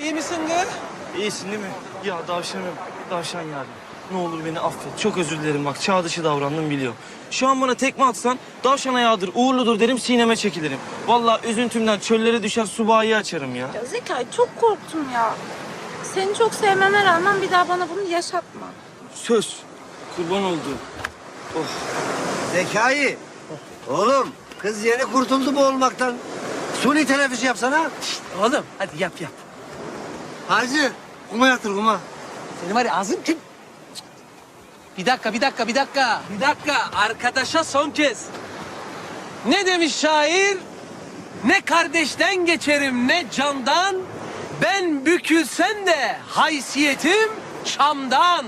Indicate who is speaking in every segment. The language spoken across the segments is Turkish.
Speaker 1: İyi misin kız?
Speaker 2: İyisin değil mi? Ya davşanım, davşan yani. Ne olur beni affet. Çok özür dilerim bak. Çağ dışı davrandım biliyorum. Şu an bana tekme atsan davşan ayağıdır, uğurludur derim, sineme çekilirim. Vallahi üzüntümden çöllere düşer subahiyi açarım ya.
Speaker 3: Ya Zekai çok korktum ya. Seni çok sevmeme rağmen bir daha bana bunu yaşatma.
Speaker 2: Söz. Kurban olduğum. Oh.
Speaker 4: Zekai. Oğlum kız yeni kurtuldu bu olmaktan. Suni teneffüs yapsana.
Speaker 1: Oğlum hadi yap.
Speaker 4: Hacı kuma yatır kuma.
Speaker 1: Senin var ya ağzın kim? Bir dakika. Arkadaşa son kez. Ne demiş şair? Ne kardeşten geçerim ne candan. Ben bükülsem de haysiyetim çamdan.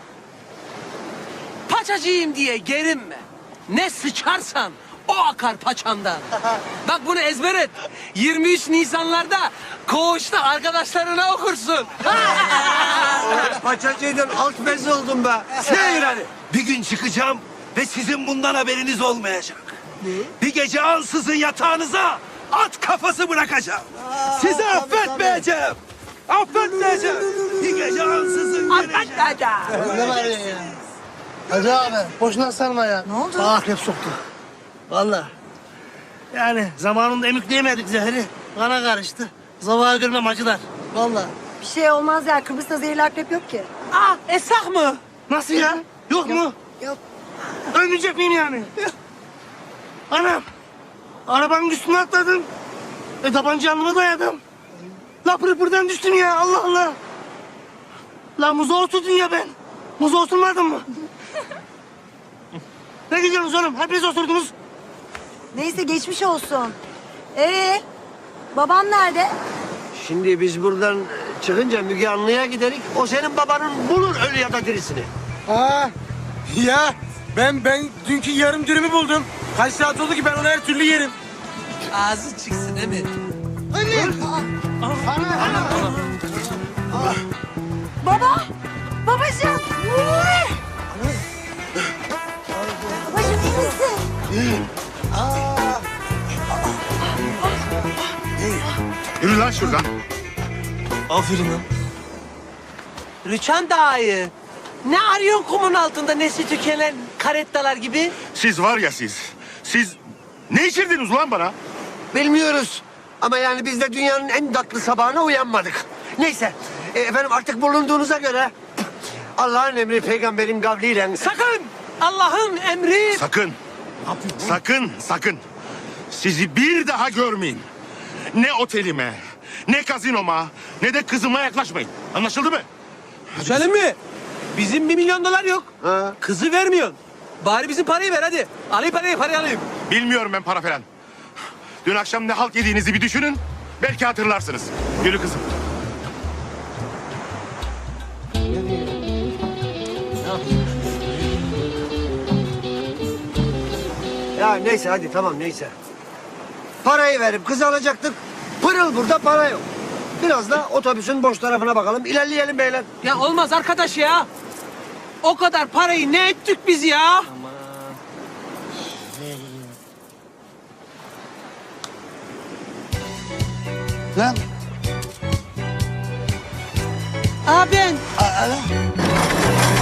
Speaker 1: Paçacıyım diye gerinme. Ne sıçarsan o akar paçandan. Bak bunu ezber et. 23 Nisanlarda koğuşta arkadaşlarına okursun.
Speaker 4: Paçacıydım alt bez oldum be. Seyir hadi.
Speaker 5: Bir gün çıkacağım ve sizin bundan haberiniz olmayacak. Bir gece ansızın yatağınıza at kafası bırakacağım. Sizi affetmeyeceğim. Affetmeyeceğim. Bir gece ansızın geleceğim.
Speaker 4: Ne var ya? Hacı abi boşuna sarma ya. Ne oldu? Bana akrep soktu. Vallahi. Yani zamanında emükleyemedik zehri. Kana karıştı. Zavağı görmem acılar. Vallahi.
Speaker 6: Bir şey olmaz ya. Kıbrıs'ta zehirli akrep yok ki.
Speaker 1: Esak mı?
Speaker 4: Nasıl ya? Yok mu?
Speaker 6: Yok.
Speaker 4: Ölmeyecek miyim yani? Anam. Arabanın üstüne atladım. Tabanca alnıma dayadım. La pırpırdan düştüm ya Allah Allah. La muza oturdun ya ben. Muza oturmadın mı? Ne gidiyorsunuz oğlum? Hepiniz oturdunuz.
Speaker 6: Neyse geçmiş olsun. Baban nerede?
Speaker 4: Şimdi biz buradan çıkınca Müge Anlı'ya giderik. O senin babanın bulur ölü ya da dirisini.
Speaker 7: Aa, ya ben dünkü yarım dürümü buldum. Kaç saat oldu ki ben onu her türlü yerim.
Speaker 1: Ağzı çıksın değil mi?
Speaker 6: Baba! Babacığım! Babacığım iyi misin?
Speaker 5: Yürü lan şuradan.
Speaker 2: Aferin lan.
Speaker 1: Rüçhan dayı. Ne arıyorsun kumun altında nesli tükenen karettalar gibi?
Speaker 5: Siz var ya siz. Siz ne içirdiniz ulan bana?
Speaker 4: Bilmiyoruz. Ama yani biz de dünyanın en tatlı sabahına uyanmadık. Neyse. Efendim artık bulunduğunuza göre Allah'ın emri peygamberin kavliyle
Speaker 1: Sakın! Allah'ın emri...
Speaker 5: Sakın. Sizi bir daha görmeyin. Ne otelime, ne kazinoma, ne de kızıma yaklaşmayın. Anlaşıldı mı?
Speaker 1: Söyle mi? Bizim $1 milyon yok.
Speaker 4: Ha.
Speaker 1: Kızı vermiyorsun. Bari bizim parayı ver hadi. Alayım parayı alayım.
Speaker 5: Bilmiyorum ben para falan. Dün akşam ne halt yediğinizi bir düşünün. Belki hatırlarsınız. Yürü kızım.
Speaker 4: Ya neyse hadi tamam neyse. Parayı verip kız alacaktık. Pırıl burada para yok. Biraz da otobüsün boş tarafına bakalım. İlerleyelim beyler.
Speaker 1: Ya olmaz arkadaş ya. O kadar parayı ne ettik biz ya?
Speaker 4: Lan.
Speaker 1: Abi ben.